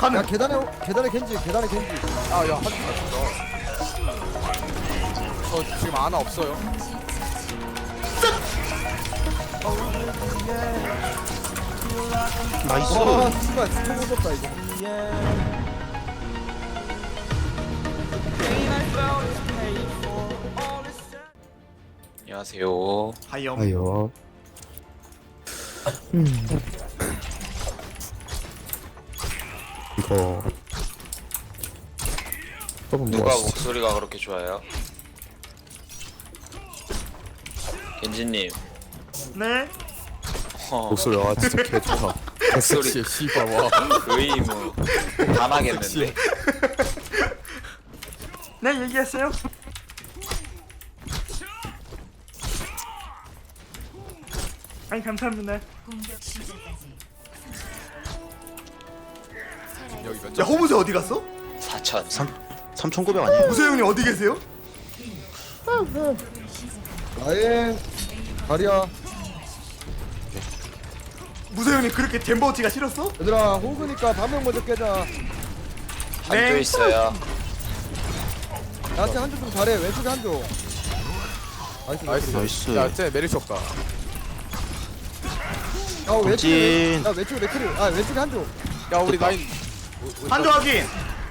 야 계단에 겐지 계단에 겐지. 아야 한줄 맞춘다. 저 지금 아나 없어요. 나이스. 와 씨발 진짜 무섭다 이거. 안녕하세요. 하이엄. 아요. 이거 누가 목소리가 그렇게 좋아요? 겐지님. 네. 목소리 와 진짜 개 좋아. 목소리 씨발 와. 의무 반하겠는데. 네, 얘기했어요. 아니 감사합니다. 여기 몇 야 점? 호무새 어디 갔어? 4천. 3,900 아니에요? 무새 형님 어디 계세요? 아예 다리야. 무새 형님 그렇게 잼버치가 싫었어? 얘들아 호그니까 반명 먼저 깨자. 한조 있어요. 나한테 한줄 좀 잘해. 왼쪽에 한줄. 나이스. 나이스. 야쟤 메리시 없다. 야 왼쪽에 진. 야 왼쪽에 맥크리. 아 왼쪽에 한줄. 야 우리 라인. 한조 확인.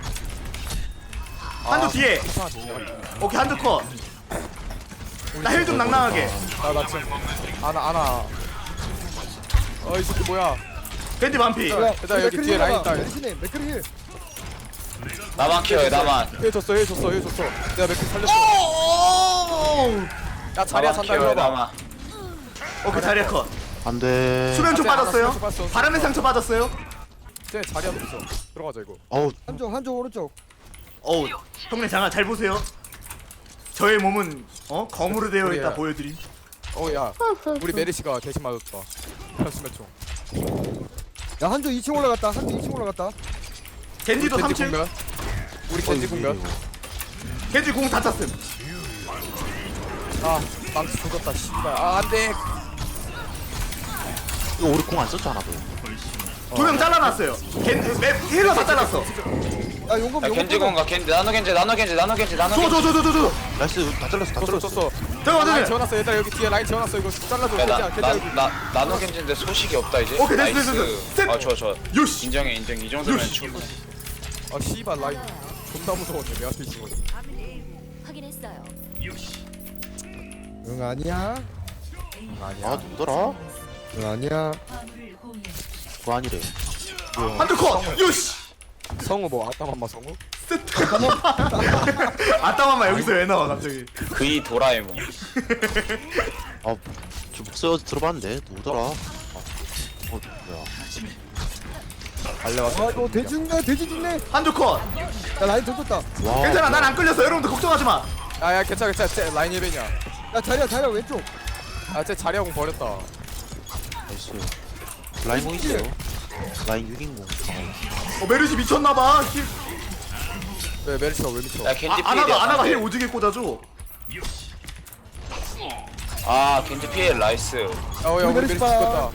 한조 뒤에. 이상하네. 오케이 한조 컷. 나 힐 좀 낭낭하게. 나 지금 아나. 어이 새끼 뭐야? 겐지 반피. 일단 여기 뒤에 라인 있다. 메리시네 맥크리 힐. 나만 키워요 나만. 해 줬어. 내가 맥주 살렸어. 야 자리야 나만 산다 키워요 이거 봐. 나만. 오케이 자리야 컷. 안 돼. 수면초 안 돼, 빠졌어요. 안 돼, 안 돼. 바람의 상처 빠졌어요. 쟤 자리야 없어. 들어가자 이거. 어우, 한쪽 오른쪽. 어우 형님 장아 잘 보세요. 저의 몸은 검으로 되어 있다 그래요. 보여드림. 야 우리 메리시가 대신 맞았다. 수면 총. 야 한쪽 2층 올라갔다. 한쪽 2층 올라갔다. 겐지도 겐지 3층. 공면. 우리 겐지 공면. 겐지 공 다 찼음. 아 망치 조졌다 씨발. 아 안돼. 이거 우리 공 안 썼잖아, 너. 두 명 잘라놨어요. 힐러 다 잘랐어. 야 용검 야 겐지 공가 겐지 나노 겐지. 줘. 나이스. 다 잘랐어, 다 잘랐어. 줬어. 잠깐만 라인 잠깐만. 재워놨어. 얘들아 여기 뒤에 라인 재워놨어. 이거 잘라줘. 겐지야 여기. 나노 겐지인데 소식이 없다 이제. 오케이, 됐어, 나이스. 됐어, 됐어. 아 좋아. 요시. 인정. 이 정도면 충분. 아 씨발 라인 존나 무서웠네. 내 앞에 있는 거. 확인했어요. 응 아니야. 아, 누구더라? 응 아니야. 그거 아니래. 한두 컷. 요시. 성우 뭐 아따맘마 성우? 아따맘마 여기서 왜 나와 갑자기? 그이 도라에몽. 아, 저 목소리 어디 들어봤는데? 누구더라? 아, 뭐야. 달려왔어. 아 이거 돼지 죽네. 한두 컷. 야 라인 던졌다. 와. 괜찮아 난 안 끌렸어. 여러분들 걱정하지 마. 야야 괜찮아. 쟤 라인 예배냐. 야 자리야 왼쪽. 아쟤 자리하고 버렸다. 나이스. 라인 공 있어요. 라인 6인공. 메르시 미쳤나봐. 왜 메리시가 왜 미쳐? 야 겐지 피해야. 아나가 힐 오지게 꽂아줘. 아 겐지 피해 나이스. 야 우리 메리시 메리시 봐. 죽었다.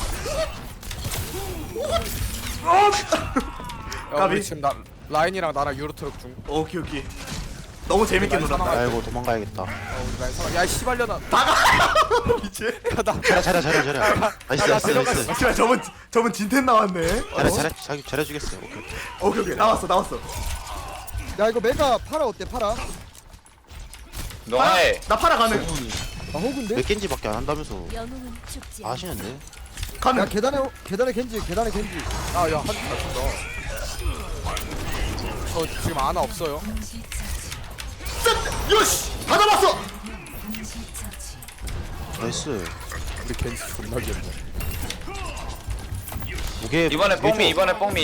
야 까비. 우리 지금 라인이랑 나랑 유로트럭 중. 오케이. 너무 재밌게 놀았다. 아이고, 도망가야겠다. 우리 라인 살아. 야 씨발려나. 이제. 야나 잘해. 나이스. 아, 씨발 저분 진텐 나왔네. 잘해주겠어요. 오케이. 오케이. 나왔어. 야 이거 메가 파라 어때 파라? 너가 해. 나 팔아 가는. 아 호그인데? 몇 겐지밖에 안 한다면서 영웅은 죽지 않아. 아시는데? 야 가는. 계단에 겐지. 아야 한줄 맞춘다. 저 지금 아나 없어요. 요시. 다 잡았어. 나이스. 우리 겐지 존나 귀엽네. 무게. 이번에 뽕미.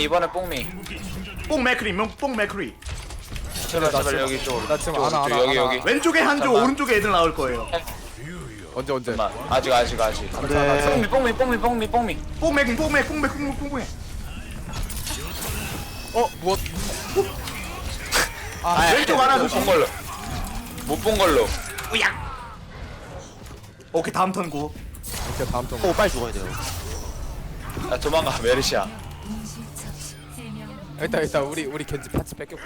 뽕 맥크리. 제발 여기 쪽. 나 지금 아나. 여기. 왼쪽에 한조 잠깐만. 오른쪽에 애들 나올 거예요. 언제? 잠깐만. 아직. 네. 뽕미. 뽕 맥. 무엇? 왼쪽 하나 못 조심. 본 걸로. 못 본 걸로. 오케이 다음 턴 고. 오케이 다음 턴. 빨리 죽어야 돼요. 야 도망가 메르시야. 일단 우리 겐지 파츠 뺏겼고.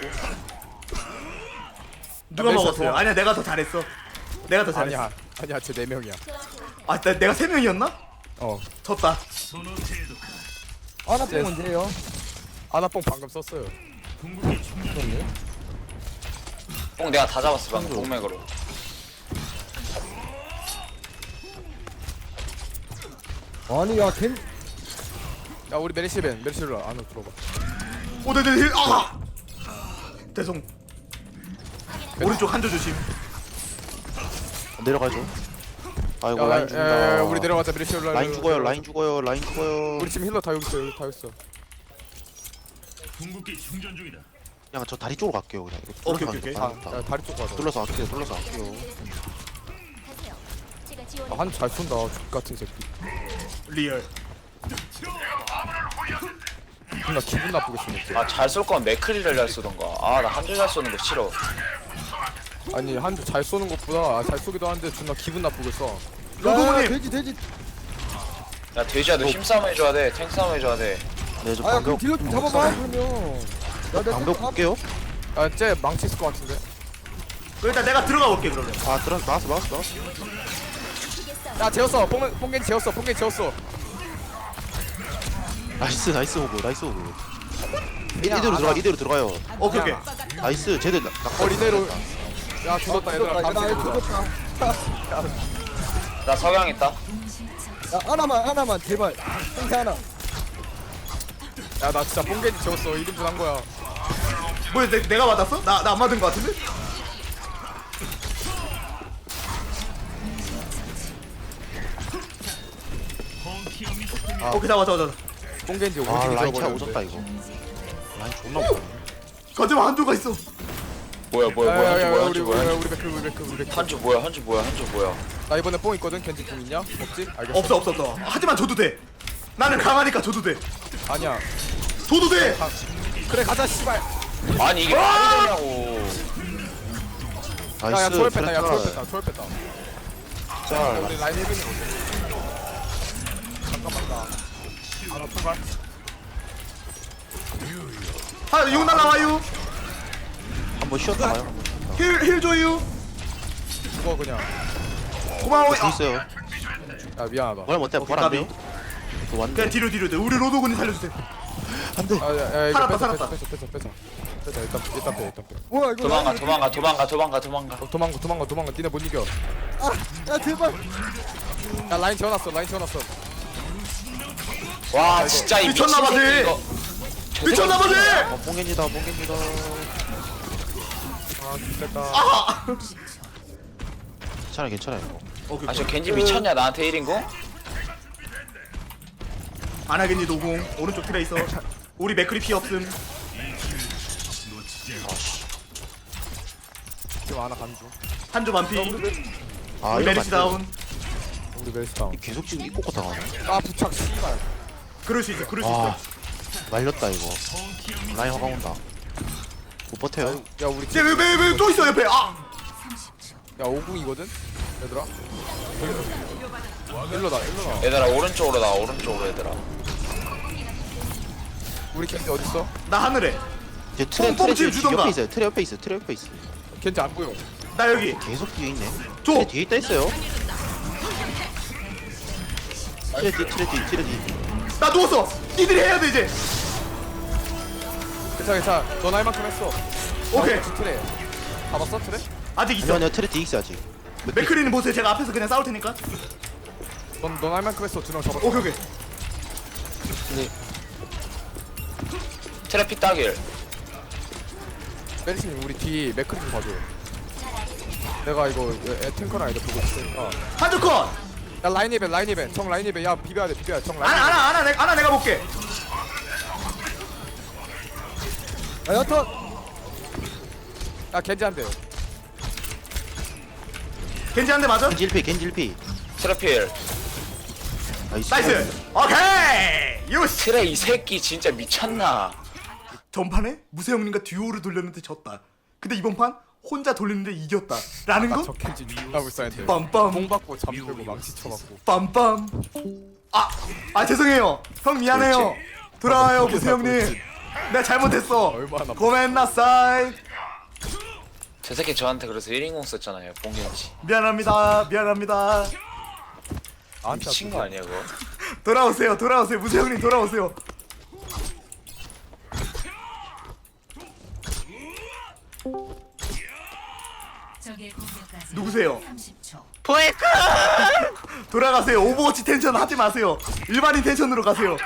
누가 멜시아 먹었어요? 도와. 아니야 내가 더 잘했어. 내가 더 잘했어. 아니야 쟤 4명이야. 내가 3명이었나? 어. 졌다. 아나뽕 언제예요? 아나뽕 방금 썼어요. 뽕 내가 다 잡았어 방금 동맥으로. 아니 야걘 야 우리 메리시로 안으로 들어봐. 오 네네. 아. 대성. 오른쪽 한조 조심. 내려가죠. 아이고 라인 야, 죽는다. 우리 내려가자 메리시로. 라인 죽어요. 라인 죽어요. 라인 죽어요. 우리 지금 힐러 다 여기 있어. 여기 다 여기 있어. 그냥 저 다리 쪽으로 갈게요. 그냥 이거 오케이, 뚫어서 오케이, 가는 거 야 다리 쪽 가자. 뚫러서 갈게요. 뚫러서 갈게요. 가세요. 제가 지원. 한잘 쏜다. 족 같은 새끼. 리얼. 존나 기분 나쁘게 쏘네. 아 잘 쏠 거면 맥크리를 잘 쏘던가. 아 나 한줄 잘 쏘는 거 싫어. 아니 한잘 쏘는 것보다 잘 쏘기도 하는데 존나 기분 나쁘게 써. 로도모님. 돼지 야 돼지야 너 힘싸움 해줘야 돼. 탱 싸움 해줘야 돼. 네, 저 아야 그럼 방벽 딜러 좀 잡아봐 그러면 야내 방벽 볼게요. 야쟤 망치 있을 것 같은데. 일단 내가 들어가 볼게 그러면. 아, 나왔어. 야 재웠어. 뽕겐지 재웠어. 뽕겐지 재웠어. 나이스 오브. 이대로 들어가요. 오케이 오케이. 나이스. 쟤들 이대로. 야 죽었다 얘들아. 나 감시 죽었다 나 석양 있다. 야 하나만 제발 생태 하나 야나 진짜 뽕겐지 재웠어. 1인분 한 거야. 뭐야 내가 맞았어? 나 안 맞은 거 같은데? 오케이 다 맞아. 뽕겐지 아, 오지게 라인 차 재워버렸는데. 오졌다 이거. 라인 존나 못하네. 거짓말 한조가 있어. 뭐야 한줄 뭐야. 우리 백크. 한줄 뭐야. 나 이번에 뽕 있거든. 겐지 뽕 있냐? 없지? 알겠어. 없어. 하지만 줘도 돼. 나는 강하니까 줘도 돼. 아니야. 줘도 돼. 그래 가자 씨발. 아니 이게 말이 되냐고. 야야 나이스. 초월 뺐다. 야 초월 뺐다. 짤. 우리 라인 헤비는 어때? 잠깐만 나. 하나 통과. 용 날라와요. 한번 쉬었다 가요. 힐 줘요. 죽어 그냥. 고마워. 저 있어요. 야 미안하다. 뭐라 못해. 오케이, 뭐라 안 까비. 돼요? 저 왔는데. 그냥 뒤로 돼. 우리 로도군이 살려주세요. 안 돼. 야 이거 살았다. 뺐어. 일단 빼. 뭐야 이거 도망가. 니네 못 이겨. 야 제발 야 라인 재워놨어. 와 진짜 이 미친 미쳤나봐, 새끼 쟤. 이거. 미쳤나보지. 뽕겐지다. 아 됐다. 괜찮아 이거. 오케이. 아저 겐지 미쳤냐 나한테 1인공? 안 하겠니 노공. 오른쪽 트레 있어. 우리 맥크리 피 없음. 지금 하나 간주. 한조 반피. 아, 우리 이거 메리시 안 돼. 다운. 우리 멜스 다운. 계속 지금 입고 당하네. 아 부착 씨발. 그럴 수 있어. 아, 말렸다 이거. 라인 화가 온다. 못 버텨요. 야 우리 쟤왜또 있어 옆에. 아. 야 5궁이거든? 얘들아. 일로다. 얘들아 오른쪽으로 나와 오른쪽으로 얘들아. 우리 겐지 어딨어? 나 하늘에. 이제 트레 뽕뽕 지금 주던가. 옆에 있어요. 트레 옆에 있어. 겐지 안 보여. 나 여기. 계속 뒤에 있네. 줘. 트레 뒤에 있다 있어요. 트레 뒤. 나 누웠어. 니들이 해야 돼 이제. 괜찮아. 넌 할 만큼 했어. 오케이. 트레. 잡았어 트레? 아직 있어. 아니요 트레 뒤에 있어 아직. 맥크리는 보세요. 제가 앞에서 그냥 싸울 테니까. 넌 할 만큼 했어. 2명 잡았어. 오케이. 트래픽 따길. 메리스님 우리 뒤 맥크리 좀 봐줘. 내가 이거 탱커랑 이거 보고 있으니까. 한조 컷. 야 라인 이벤. 정 라인 이벤. 야 비벼야 돼. 정 라인. 아나 내가 볼게. 야 여튼 야 겐지 한 대. 겐지 한 대 맞아? 겐지 1피. 트래필. 나이스. 오케이. 요시. 트레 이 새끼 진짜 미쳤나? 전판에 무세형님과 듀오를 돌렸는데 졌다. 근데 이번 판 혼자 돌리는데 이겼다. 라는 거? 저 겐지 존나 불쌍한데. 빰빰. 공 받고 잠들고 망치 쳐갖고. 빰빰. 아 죄송해요. 형 미안해요. 돌아와요 무세형님. 내가 잘못했어. 얼마나 고멘나사이. 저 새끼 저한테 그래서 1인공 썼잖아요. 봉겐지. 미안합니다. 미안합니다. 미친 거 아니야 그거? 돌아오세요. 돌아오세요. 무세 형님 돌아오세요. 적의 공격까지 누구세요? 30초. 돌아가세요. 오버워치 텐션 하지 마세요. 일반인 텐션으로 가세요.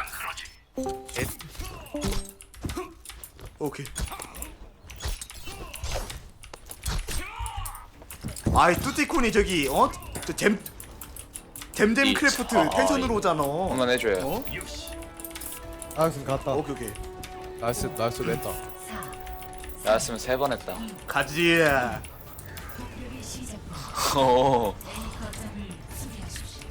오케이. 아이 뚜띠콘이 저기 잼잼 크래프트 텐션으로 오잖아. 한번 해줘요. 어? 알았음 갔다. 오케이. 나이스 냈다. 4, 나였으면 3번 했다. 가지. 공격의 시작부터 오. 거점을 수비하십시오.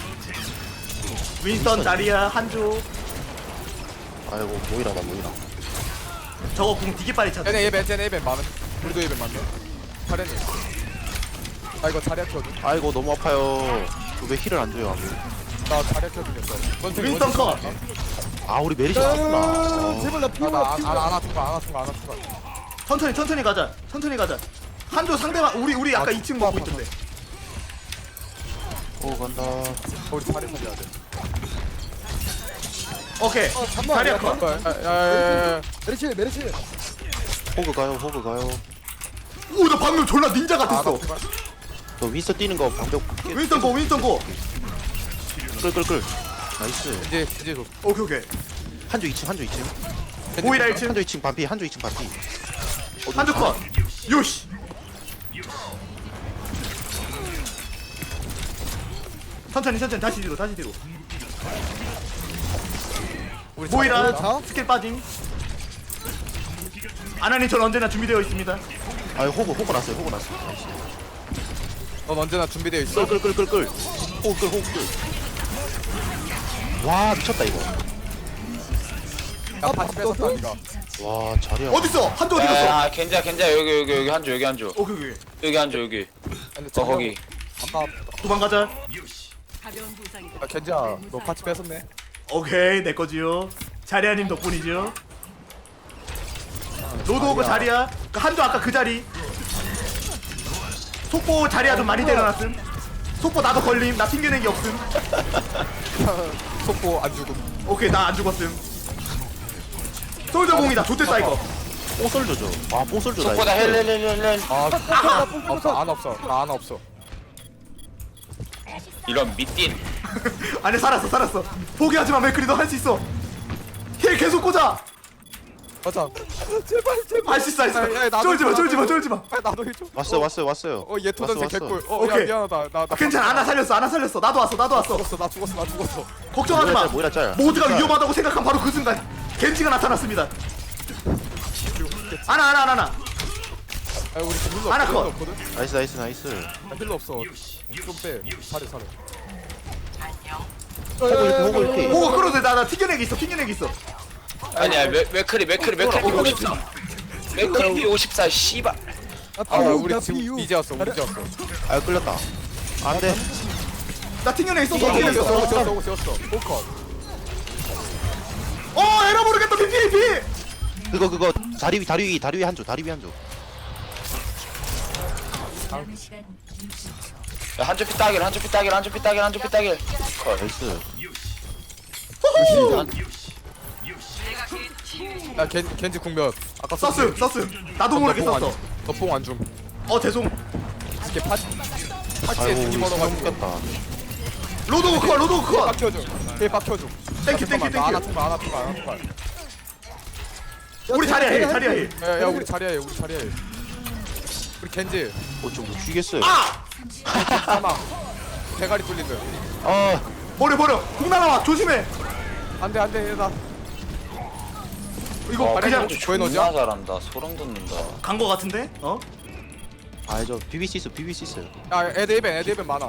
윈스턴 자리야 한조. 아이고 모이라다 모이라. 저거 궁 되게 빨리 찼어. 쟤네 예벤 많은. 우리도 예벤 많네. 차례니. 아 이거 자리야 켜줘. 아이고 너무 아파요. 왜 힐을 안 줘요? 나 자리야 켜주겠어. 윈스턴 컷. 아 우리 메리시 왔구나. 제발 나 피우라 안 피우라. 아픈 거. 천천히 가자. 천천히 가자. 한조 상대방 우리 아까 2층 먹고 있던데. 오 간다. 우리 자리 살려야 돼. 오케이. 잠깐만. 자리야 야, 컷. 야야야야. 메르시. 호그 가요. 오 나 방금 졸라 닌자 같았어. 저 윈서 뛰는 거 방벽 윈스턴 고. 끌. 나이스. 이제 오케이. 한조 2층. 모이라 1층. 한조 2층 반피. 한조 컷. 요시. 천천히 다시 뒤로. 우리 모이라 자. 스킬 빠짐. 아나님 전 언제나 준비되어 있습니다. 아 호그 났어요. 나이스. 넌 언제나 준비되어 있어. 끌. 호그. 와 미쳤다 이거. 야 바지 뺏었다 니가. 와 자리야. 어딨어? 한조 어디 갔어? 야 겐지야 여기 한조. 오케이. 여기 한조 여기. 근데 거기. 아까 도망가자. 야, 겐지야 너 바지 뺏었네. 오케이 내 거지요. 자리아님 덕분이죠. 로드오그 자리야. 그 한조 아까 그 자리. 속보 자리야 좀 많이 때려놨음. 속보 나도 걸림. 나 튕겨내기 없음. 속보 안 죽음. 오케이 나 안 죽었음. 솔저 공이다. 좋댔다 이거. 뽕솔저죠. 아 뽕솔저 속보다 헬렐렐렐렐. 안 없어. 나 안 없어. 이런 미띤. 아니 살았어. 포기하지마 맥크리 너 할 수 있어. 힐 계속 꽂아. 가자. 제발. 할 수 있어. 야, 야, 나도 쫄지마. 아, 나도 해줘. 왔어요. 얘 토전생 왔어. 개꿀. 야 오케이. 미안하다. 나 괜찮아. 아나 살렸어. 나도 왔어. 죽었어. 걱정하지마. 모이라 짤. 모두가 위험하다고 생각한 바로 그 순간 겐지가 나타났습니다. 아나. 야 우리 지금 힐러 하나 없어. 컷. 없거든. 나이스. 야, 힐러 없어. 좀 빼. 살해. 호그 이렇게. 보고 끌어도 나 튕겨내기 있어. 아니야 맥크리 54. 맥크리 54 씨발. 아 우리 지금 이제 왔어. 아 끌렸다. 안돼. 나 튕겨내기 있어. 지웠어. 포컷. 에러 모르겠다. PPP. 그거 다리 위 한조. 남은 시간 60초. 야, 한조 피따길. 컷. 나이스. 야 겐지 국면. 아까 썼음. 나도 모르게 썼어. 너뽕안 줌. 죄송. 이렇게 파츠에 아이고 등기 우리 멀어가지고. 숨겼다. 로드 컷. 박혀줘. 걔 박혀줘. 땡큐. 안 아픈 거. 우리 자리야 힐. 야 우리 자리야해. 우리 겐지 좀 죽이겠어요. 사망. 대가리 뚫린 거야. 아 버려. 공 날아와. 조심해. 안돼 나. 이거 그냥 왜 존나 넣지? 잘한다. 소름 돋는다. 간 거 같은데? 저 BBC 있어요. 야 애드 이벤 많아.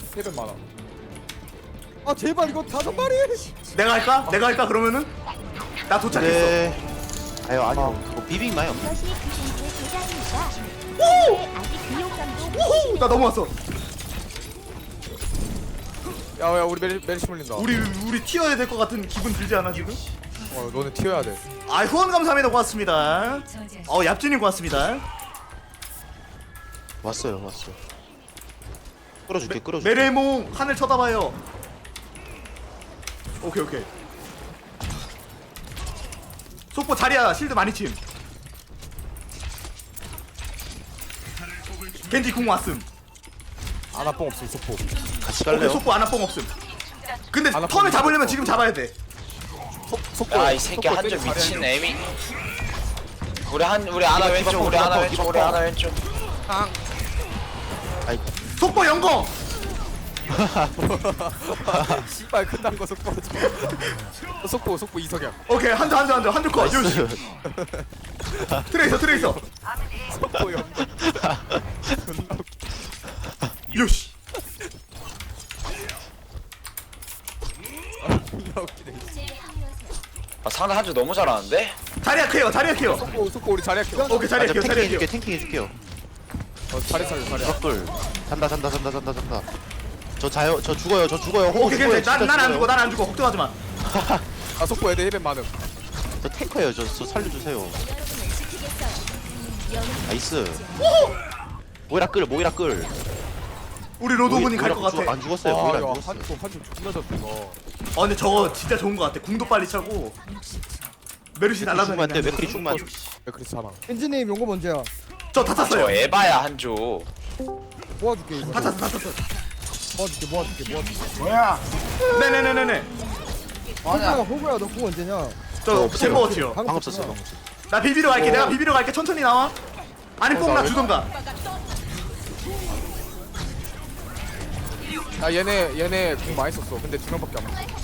아 제발 이거 5마리. 내가 할까 그러면은? 나 도착했어. 네. 아니요. 뭐 비빅 마요. 이것이 구신의 도장입니다. 네, 아직 비용감도 우후. 나 넘어왔어. 야 우리 메리시 물린다. 우리 튀어야 될 것 같은 기분 들지 않아 지금? 너는 튀어야 돼. 아 후원 감사합니다. 고맙습니다. 얍진님 고맙습니다. 왔어요. 끌어줄게. 메레몽 하늘 쳐다봐요. 오케이. 속보 자리야 실드 많이 침. 겐지 궁 왔음. 아나뽕 없음 소포. 같이 오케이 갈래요? 속보 아나뽕 없음. 근데 아나뽕 턴을 잡으려면 없어. 지금 잡아야 돼. 속보. 야 이 새끼 속보 한줄 때리고 미친 자리야. 애미. 우리 아나 왼쪽 우리 아나 왼쪽 우리 아나 왼쪽. 속보 영공. 씨발 끝난 거 속보. 속보 이석양. 오케이 한줄 컷. 요시. 트레이서. 속보 형. 요시. 아 상대 한줄 너무 잘하는데? 자리야 케어. 속보 우리 자리야 켜. 오케이 자리야 케어. 탱킹 해줄게요. 자리 살려 자리야. 벽돌. 잔다. 저 죽어요. 오케이 죽어요. 괜찮아. 진짜 난안 죽어요. 죽어. 걱정하지 마. 아 속보 애들 힐벤 많음. 저 탱커예요. 저 살려주세요. 나이스. 모이라 끌. 우리 로드오븐이 갈 것 같아. 안 죽었어요. 아 모이라 안 이거 죽었어요. 한줄 존나 졌어 이거. 근데 저거 진짜 좋은 것 같아. 궁도 빨리 차고. 메르시 죽으면 안 돼. 날라다니는. 맥크리 죽으면 안 돼. 그래서 사망. 엔지님 용거 먼저야. 저다 저 탔어요. 에바야 한줄. 모아줄게 이거. 다 탔어. 모아줄게. 네네네네네. 호구야 너 그거 언제냐? 저 챔버워치요. 방금 썼어요. 나 비비러 갈게. 내가 비비러 갈게. 천천히 나와. 아니 뽕 나 주던가. 아 얘네 공 많이 썼어. 근데 두 명밖에 안 먹어.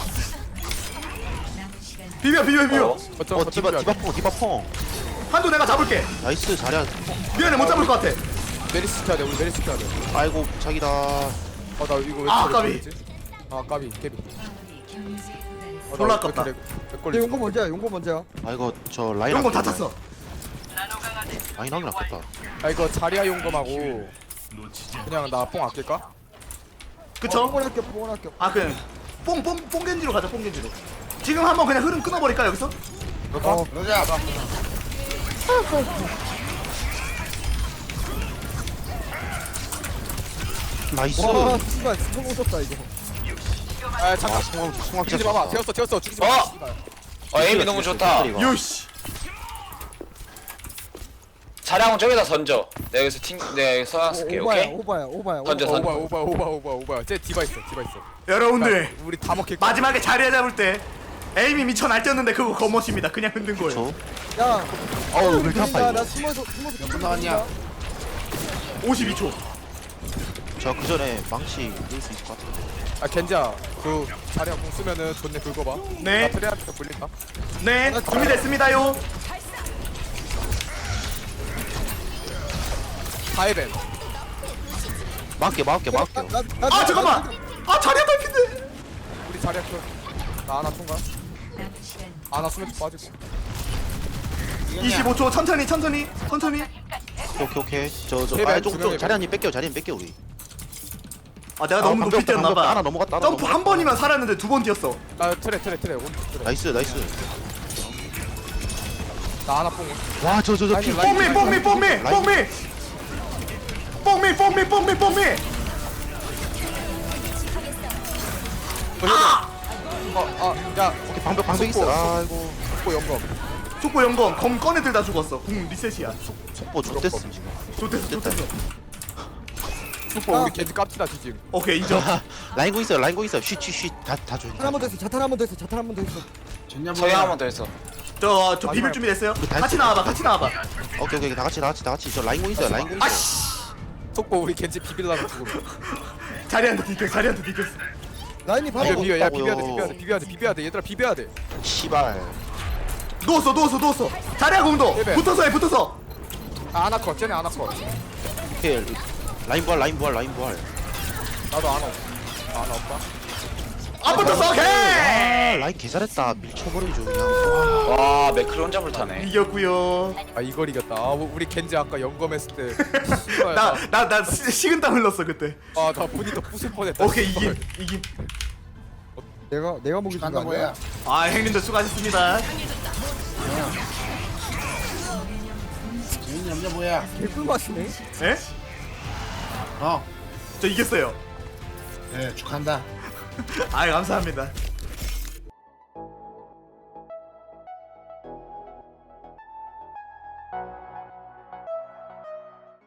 비벼. 디바퐁. 한도 내가 잡을게. 나이스. 잘해. 미안해 못 잡을 것 같아. 메리시 시켜야 돼. 우리 메리시 시켜야 돼. 아이고 자기다. 나 이거 왜 아, 저래 까비. 걸리지? 아 까비 깨비. 졸라 아깝다. 내 용거 먼저야. 아이고 저 라인. 이런 거 다 탔어. 라인 하긴 아깝다. 아 이거 자리야 용검하고 그냥 나 뽕 아낄까? 그쵸? 뽕원할게. 아 그냥 뽕겐지로 가자. 뽕겐지로. 지금 한번 그냥 흐름 끊어버릴까 여기서? 그럴까? 나이스. 와 씨발 성공 썼다 이거. 아 잠깐. 아 송황 죽이지 마봐. 되었어. 죽이지 마. 에임이 너무 좋다. 요시. 차량 저기다 던져. 내가 여기서 서양 쓸게. 오케이? 오바야. 던져. 오바. 쟤 디바 있어. 여러분들 우리 다 먹힐 거야. 마지막에 자리에 잡을 때 에임이 미쳐 날뛰었는데 그거 겉멋입니다. 그냥 흔든 거예요. 저. 야. 어우 왜 이렇게 아파 나 이거. 숨어서 나왔냐? 52초. 저 그 전에 망치 넣을 수 있을 것 같아. 아 겐지야 그 자리야 공 쓰면은 존내 긁어봐. 네. 나 트레한테 불린다. 네 준비됐습니다요. 다이벤. 막게. 아 잠깐만. 아 자리에 딸핀데. 우리 자리야 나 하나 통과. 아나 수면 빠지고. 25초 천천히. 오케이. 저 세배, 아, 두 명이 자리님 뺏겨 우리. 아 내가 너무 높이 뛰었나봐. 하나 넘어갔다. 점프 한 번이면 살았는데 두 번 뛰었어. 나 트레 오른쪽 트레. 나이스. 나 하나 뽕. 와 저 피. 라인. 뽕미. 야 오케이 방벽 있어. 아이고. 속보 영검. 속보 영검 검 꺼내들 다 죽었어. 궁 리셋이야. 속보 좋댔음 지금. 좋댔어. 속보 우리 겐지 깝치다 지금. 오케이 인정. 라인고 있어. 쉿. 다 줘. 자탄 한번 더 있어. 자탄 한번 더 있어. 서양 한번 더 했어. 저 비빌 준비 됐어요? 같이 나와봐. 오케이. 다 같이. 저 라인고 있어요. 속보 우리 겐지 비빌라고 지금. 자리한테 디켰어. 라인이 바로 비벼 야 없다고요. 비벼야 돼 얘들아 비벼야 돼. 씨발. 누웠어. 자리야 공도. 예배. 붙어서. 아 하나 컷 쟤네 하나 컷. 오케이. 라인 부활. 나도 하나 없어. 하나 없다. 안 붙었어. 오케이. 아 라인 개 잘했다. 밀쳐버리죠 그냥. 와 맥크리 혼자 불타네. 이겼고요. 아 이걸 이겼다. 아 우리 겐지 아까 영검했을 때. 씨발, 나 식은땀 흘렀어 그때. 아나 본인도 부술 뻔했다. 오케이 씨발. 이김. 내가 먹이 준거 간다 아니야? 뭐야? 아 형님들 수고하셨습니다. 재민 남자 뭐야? 개꿀 맛이네. 예? 어, 저 이겼어요. 네 축하한다. 아 감사합니다.